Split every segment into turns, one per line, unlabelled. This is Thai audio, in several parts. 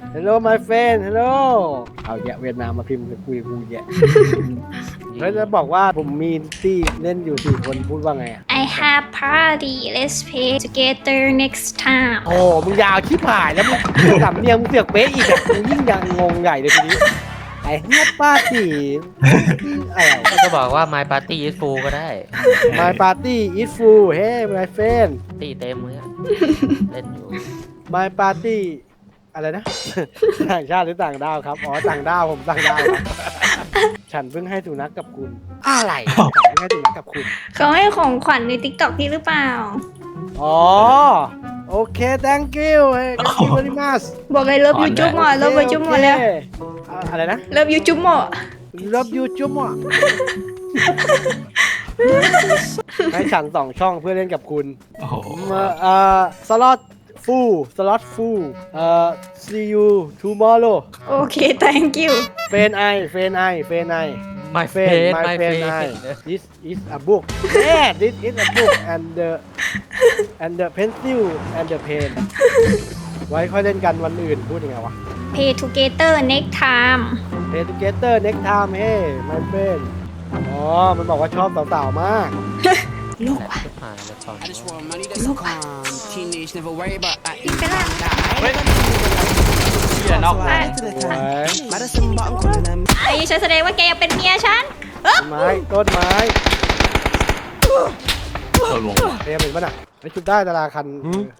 Hello my friend Hello เอาแยะเวียดนามมาพิมพ์คุยกูแยะ แล้วจะบอกว่าผมมีที่เล่นอยู่4คนพูดว่าไงอ่ะ
I have party let's play together next time
โอ้มึงยาวชิบหายแล้วมึงสำเนียงมึงเสือกเป๊ะอีกอ่ะมึงยิ่งยังงงใหญ่เลยทีนี้ไอ้เฮียป้าตีอะไร
ก็บอกว่า My Party is full ก็ได้
My party is full Hey my friend
ตีเต็มเลยอะเล่นอยู่
My party อะไรนะ ต่างชาติหรือต่างดาวครับอ๋อต่างดาวผมต่างดาวครับ ฉันเพิ่งให้สุนัขกับคุณอะไรฉันเพิ่งให้สุนัขกับคุณ
เขาให้ของขวัญใน TikTok พี่หรือเปล่า
อ๋อโอเค thank you hey thank you very much
บอกเลยเลิฟยูจุ๊บหมอเลิฟยูจุ๊บหมอแล้ว
อะไรนะ
เลิฟยูจุ๊บหมอ
Love you จุ๊บอ่ะ ให้ฉัน2 ช่องเพื่อเล่นกับคุณ
โอ้โห
สล็อตฟูลsee you tomorrow
โอเค thank you
เฟนไอ
My
เฟน
friend
ไ
My
เฟนไอ
friend
this is a book yeah this is a book and the pencil and the pen ไว้ค่อยเล่นกันวันอื่นพูดยังไงวะ
play together next time
Play together next time hey my friend อ๋อ มันบอกว่าชอบสาวๆมาก
ลูกว่ะ
ชิบหายแล้วสอน
I just want money that's calm. Teenage never worry about I
พี่ไปล่าง
เชี่ยนอกวง
สวย
Madison bottom calling them
ไอ้ฉันแสดงว่าแกยังเป็นเมียฉัน
ต้นไม้
โดนวงว่ะ
เตรียมเห็นป่ะน่ะไม่ชุดได้ดาราคัน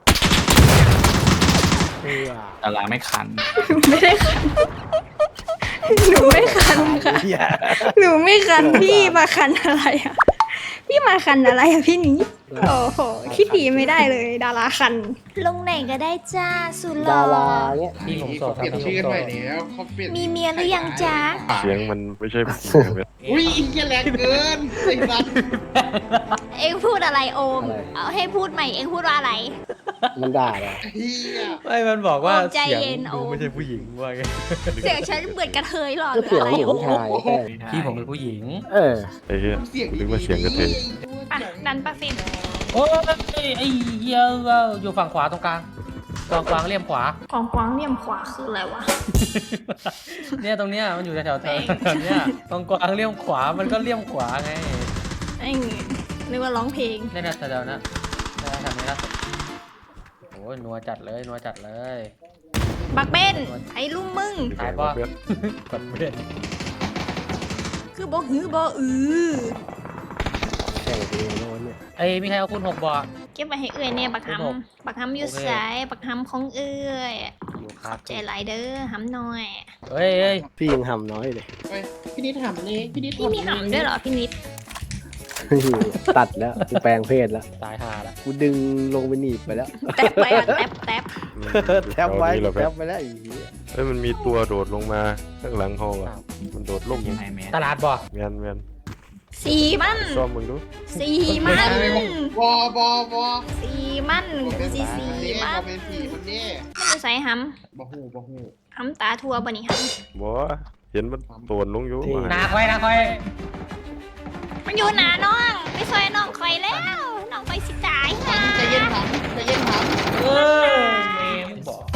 เออ
ดาราไม่คัน
ไม่ได้คันหนูไม่คันค่ะ
เหี้ย
หนูไม่คันพี่มาคันอะไรอ่ะ พี่มาคันอะไรอ่ะพี่นี้โอ้โหคิดดีไม่ได้เลย ดาราคัน ลงไหนก็ได้จ้าสุดหล่
ดา
อ
ราเนี่ย
พี่ผมโสดครับ
เปลี่ยน
พี่ผม
ชื่อ
โส
ใหม่
ด
แล้วเขาเปลี่ยน
มีเมียหรือยังจ้า
เสียงมันไม่ใช่เสียงแบบ
อุ้ยอินเดียแรงเกินไอ้สัตว์
เอ็งพูดอะไรโอม เอาให้พูดใหม่เอ็งพูดว่าอะไร
มันด่าเลย
เฮีย
ไม่มันบอกว่า
โอ้ใจ
เสียง
เย็นโอ้
ดูไม่ใช่ผู้หญิงว่าไง
เสียงฉันเหมือนกระเทยหรอห
ก็
รือ
เสียง
อะไร
เหมือนผู้ชายแค่
พี่ผมเป็นผู้หญิง
เออ
ไอ้เหี้ย
เสียง
นึกว่าเสียงกระเทย
อ่ะดันปะฟิน
โอ้ยไอ้เหี้ยอยู่ฝั่งขวาตรงกลางกองกวางเลี่ยมขวา
ของกวางเลี่ยมขวาคืออะไรวะ
เนี่ยตรงเนี้ยมันอยู่แถวๆเธอเนี่ยกองกวางเลี่ยมขวามันก็เลี่ยมขวาไง
ไอ้นึกว่าร้องเพลง
เนี่ยนะแถวๆนะแถวๆนี้ล่าสุดโอ้ยนัวจัดเลยนัวจัดเลย
บักเบนไอ้ลุงมึง
ตายปะกดเล่น
คือบ่หือบ่อือ
แข่งเพลงโน้นเนี่ย
ไอ้มีใครเอาคุณ6บ่อ
เก็บไว้ให้เอื้อยเนี่ยบักหำบักหำอยู่สายบักหำของเอื้อย
อยู่ครับ
ใจหลายเด้อหำน้อย
เฮ้ยเฮ้ย
พี่ยังหำน้อยเลย
ไปพี่นิดถามเลยพี่นิด
พี่มีหำด้วยเหรอพี่นิด
ตัดแล้วกูแปลงเพศแล้ว
ตายหาละ
กูดึงลงไปหนีบไปแล้ว
แตบไปอ่ะแตบแตบ
แทบไว้
เรา
แทบไปแล้วไอ้เหี้ย
เอ้ยมันมีตัวโดดลงมาข้างหลังห้องอ่ะมันโดดลง
ยังไงแมน
ตลาดบ่
แมนแมน
สีมัน
ซ่อมมึงดู
สีมัน
บอบอ
สีมันกูสิสี
นี่
มั
เขา
น
เป็นผีคนนี้
มันจะใส่ห
บะฮู
ำหำตาทัวบ่นี่ห
บ่เห็นมันโตนลงอยู่
หนาคอยหนาคอย
ำมันอยู่หนาน้องไปซอยน้องคอยแล้วน้องไปสิตาย
ถา
ค่ะ
มใจเย็นถามใจเย็นถาม
เออเมมึงบอก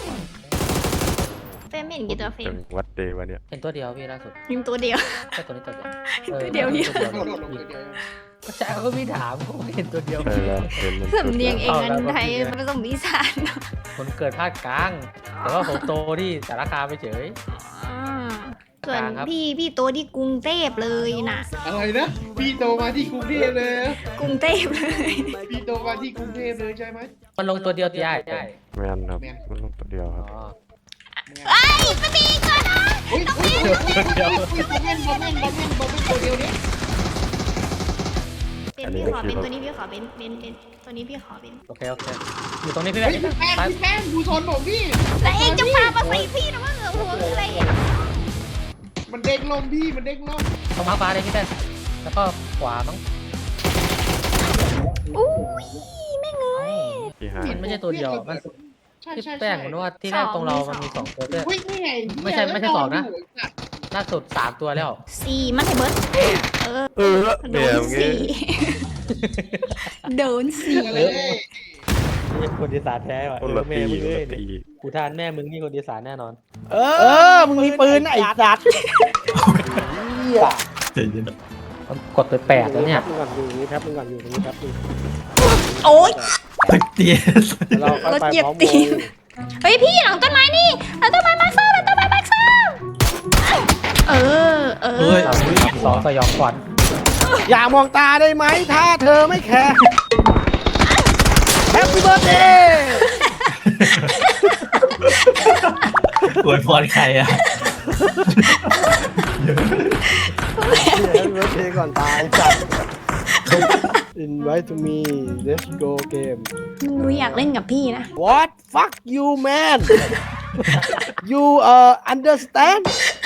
เฟรมเห็นกี่ตัวเฟร
จั
ม
งหวัดเดวะเนี่ย
เห็นตัวเดียวพี่ล่าสุด
ยิงตัวเดียว
แค่ตัวนี้ตัวเดียว
ตัวเดียวพี่
ตัว
โดดลง
เดียว
เดียว
ก็ใช่เขาไม่ถามเขาเห็นตัวเดียว
ใช่แล้วเห็นมัน
สำเนียงเองอันไทยมันต้องมีสาร
คนเกิดภาคกลาง แต่ว่าผมโตที่สารคามไปเฉย
ส่วน
กลางครับ
พี่โตที่กรุงเทพเลยนะ
อะไรนะพี่โตมาที่กรุงเทพเลย
กรุงเทพเลย
พี่โตมาที่กรุงเทพเลยใช่ไหม
มันลงตัวเดียวตีได้
แมนครับมันลงตัวเดียว
อ๋
ค
อ
รับ
ไอ้ยไม่มีอีกแล้วนะ
อุ้ยบอมเม่นตัวเดียวนี้
เป็นพี่ขอเป็นตัวนี้พี่ขอเป็นตัวนี้พี่ขอเป็น
โอเคโอเคอยู่ตรงนี้พี่แบ
เฮ้
บ
ย
นี้
พี่แป้ง
ไป
พี่แป้งดูโซนผมพี่
แล้วเองจะพามาใส่พี่นะว่าเหงือหัวคืออะไรอ่ะ
มันเด้งลมพี่มันเด้งลม
ตรงมาฟ้าเลยพี่แป้นแล้วก็ขวามั้ง
อุ้ยแม่งเอ้ย
ที่หา
มันไม่ใช่ตัวเดียวมัน
ใช่
พี่
ใช่
แป้งมันว่าที่แรกตรงเรามันมี2ตัวด้วย
อุ้ยนี่ไง
ไม่ใช่สองนะ ล่าสุด3ตัวแล้ว
สี่มันให้เบิร์ดเออ
เออ
โด
เนี่ย
น
มึง
สี่โดนสี่
อะไร
คนอีสานแท้ว่ะ
คนละ
แม่
ตี
มึง
คน
เอ้ย
ละตี
กูทานแม่มึงนี่คนอีสานแน่นอน
เออ มึงมีปืนนะไอ้สัตว์เหี้ย
เดี๋ยว
มันกดไป8แล้วเนี่ย
อยู่ตรงนี้แป๊บนึงก่อนอยู่ตรงนี้แป๊บนึง
โอ๊ย
เตี้ย
เราค่อย
รถ
ไป
เหยียบ
พร้อม
ตี
ว
น เฮ้ยพี่หลังต้นไม้นี่หลังต้นไม้มาซ่าหลังต้นไม้มาซ่าเออ
เฮ้ย
สองสยองขวัญ
อย่ามองตาได้ไหมถ้าเธอไม่แคร์แฮปปี้เบิร์ดเดย์
อวยพรใครอ่ะ
แฮปปี้เบิร์ดเดย์ก่อนตายจัด Invite to me let's go game
หนูอยากเล่นกับพี่นะ
What fuck you man you understand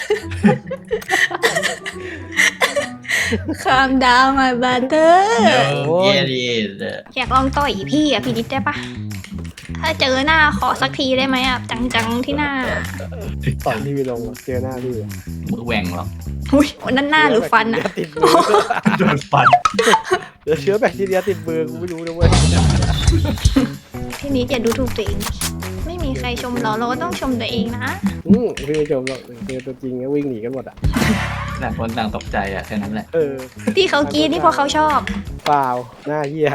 คามดาวมาบัตเตอร์
เย้ดี
อยากลองต่อยพี่อ่ะพี่นิดได้ปะถ้าเจอหน้าขอสักทีได้ไหมอ่ะ จังๆที่หน้า
ต่อยที่ไปลงเจอหน้าพี่
มือแหว่งหรอ
อุ้ยวันนั้นหน้าหรือฟันอ่ะ
ติดมือ
โดนฟัน
เดี๋ยวเชื้อแบคทีเรียติดมือกูไม่รู้นะเว้ย
พี่นิดอย่าดูถูกตัวเอง ไม่มีใครชมเราเราก็ต้องชมตัวเองนะ
พี่ไม่ชมหรอกเจอตัวจริงก็วิ่งหนีกันหมดอ่ะ
ต่างคนต่างตกใจอ่ะแค่นั้นแหละ
เออ
ที่เขากรีดนี่เพราะเขาชอบ
เปล่าหน้าเหี้ย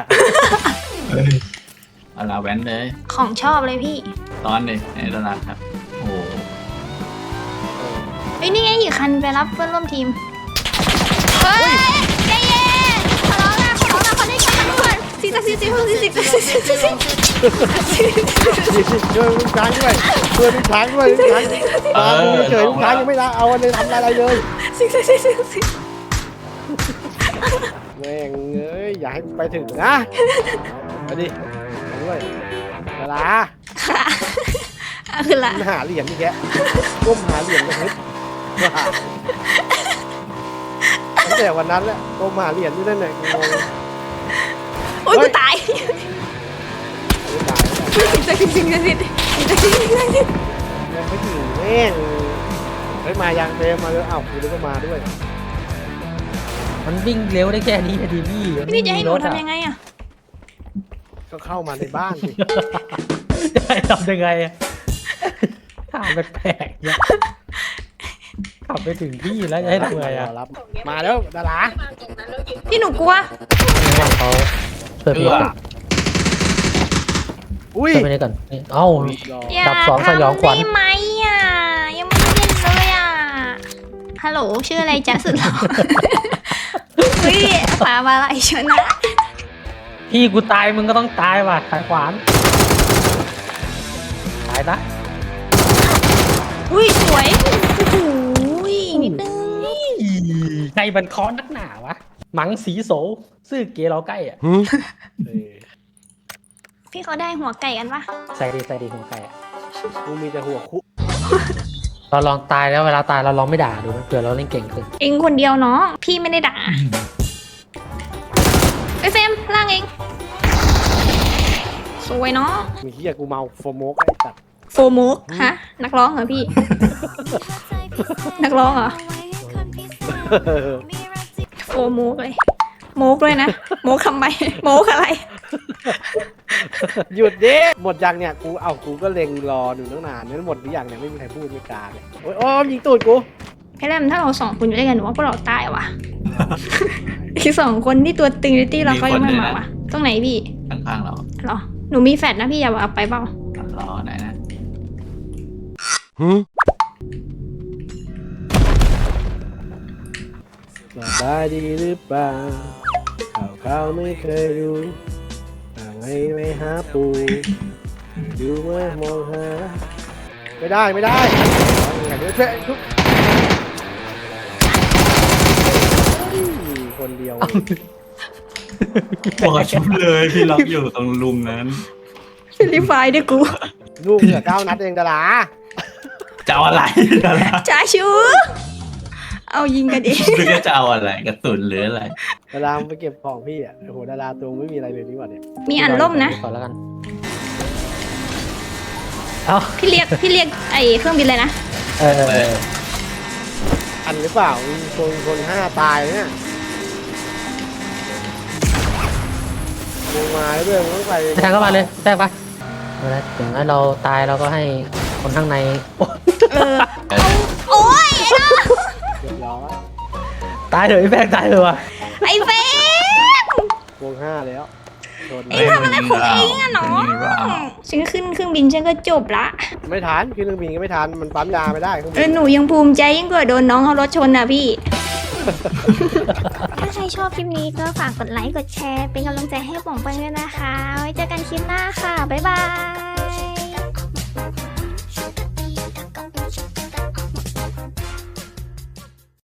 เอาลาแว้นเลย
ของชอบเลยพี่
ตอนเลยในตลาดครับ โอ้โห
เฮ้ยนี่ไงอีกคันไปรับเพื่อนร่วมทีม เฮ้ยใจเย็นขอร้องนะคนได้กันทุกคนสิ
ช่วยลูกช้างด้วยช่วยลูกช้างด้วยลูกช้างมาเฉยลูกช้างยังไม่ได้เอาอะไรทำอะไรเลย
สิ
แม่งเอ้ยอย่าให้ไปถึงนะไปดิไปด้วยดารา
ค่ะคือละ
หาเหรียญนี่แกก้มหาเหรียญเลยเฮ้ยตั้งแต่วันนั้นแหละก้มหาเหรียญที่นั่นแหละงง
โอ๊ยกูตายสิง
แม่งไม่ถึงแม่งเฮ้ยมายังเฟรมมาเลยอ้าวกูนึกว่ามาด้วย
มันวิ่งเร็วได้แค่นี้พอดีพี่
พี่จะให้หนูทำยังไงอ่ะ
ก็เข้ามาในบ้านสิ
จะให้ทำยังไงอะถามแปลกๆเนี่ยขับไปถึงที่แล้วจะให้ทำไงอ่ะ
รอรับมาแล้วดารา
พี่หนูกลัว
เขาเปิดเพลงก่อน
อุ้ย
เปิดเพลงก่อนเอ้า
รอ
อย่า
ดับสองสยองขวัญ
ทำได้ไหมอ่ะ ยังไม่ได้เล่นเลยอ่ะ ฮัลโหลชื่ออะไรจ๊ะสุดหล่อเฮ้ยมาอะไรชนะ
พี่กูตายมึงก็ต้องตายว่ะสายขวานตายนะ
อุ้ยสวยโอ้โหนิดนึง
ใครมันคอนนักหนาวะหมังสีโสซื่อเกเราใกล้อ่ะ
เออ
พี่เขาได้หัวไก่กันปะ
ใส่ดีหัวไก่อ่ะ
กูมีแต่หัวคุ
เราลองตายแล้วเวลาตายเราลองไม่ด่าดูนะเผื่อเราเล่นเก่งขึ้น
เองคนเดียวเนาะพี่ไม่ได้ด่าไอเฟรมล่างเอง สวยเนาะ
มีเฮียกูเมาโฟโมกไอ้สัตว์
โฟโมกฮะ นักร้องเหรอพี่ นักร้องเหรอ โฟโมกเลย โมกเลยนะ โมกทำไม โมกอะไร
หยุดดิหมดยังเนี่ยกูก็เล็งรออยู่ตั้งนานเนี่ยหมดหรือยังเนี่ยไม่มีใครพูดไม่กล้าเลยโอ้ยยิงตูดกู
พี่แรมถ้าเราสองคนอยู่ด้วยกันหนูว่าพวกเราตายว่ะ อีกสองคนที่ตัวตึงในตี้เราเขายังไม่มาว่ะ ตรงไหนพี่
ข้างๆเรา
เหรอ หนูมีแฟลชนะพี่อย่าเอาไปเปล่า
รอไหนนะ
สบายดีหรือเปล่าข่าวไม่เคยดูต่างให้ไม่หาปูดูเมื่อมองหาไม่ได้เดี๋ยวเจ๊ทุกคนเดียว
บอกชุบเลยพี่ล็อกอยู่ตรงลุมนั้น
ฟิลิปไฟด์ด้วยกู
ลูกเหลือ9 นัดเองดารา
จะเอาอะไรดารา
จ้าชูเอายิงกันเอง
หรือจะเอาอะไรกระสุนหรืออะไร
ดาราไปเก็บของพี่อ่ะโอ้โหดาราตัวไม่มีอะไรเลยนี่หว่าเนี่ย
มีอันล่มนะ
ก่อนแล้วกันเอ้า
พี่เรียกไอเครื่องบินเลยนะ
เออ
อันหรือเปล่ามีคน5 ตายเนี่ยลงมาแล้วด้วยมึงต้องไป
แทงเข้ามาเลยแทงปะแล้วถึงให้เราตายเราก็ให้คนข้างในโอ๊ย
เออโอ้ยไอ้น้อง
เรียบร้อย
ตายเถอะไอ้แฟงตายเถอะวะ
ไอ้เฟรม
วง5แล้วโดน
เอ็งทำอะไรของเอ็งอะน้องฉันขึ้นเครื่องบินฉันก็จบละ
ไม่ทันขึ้นเครื่องบินก็ไม่ทันมันปั๊มยาไม่ได้เครื่อง
เอ
บิ
อน หนูยังภูมิใจยิ่งกว่าโดนน้องเอารถชนนะพี่ ถ้าใครชอบคลิปนี้ก็ฝากกดไลค์กดแชร์เป็นกำลังใจให้ป๋องเปิ้ลด้วยนะคะ ไว้เจอกันคลิปหน้าค่ะ บ๊ายบาย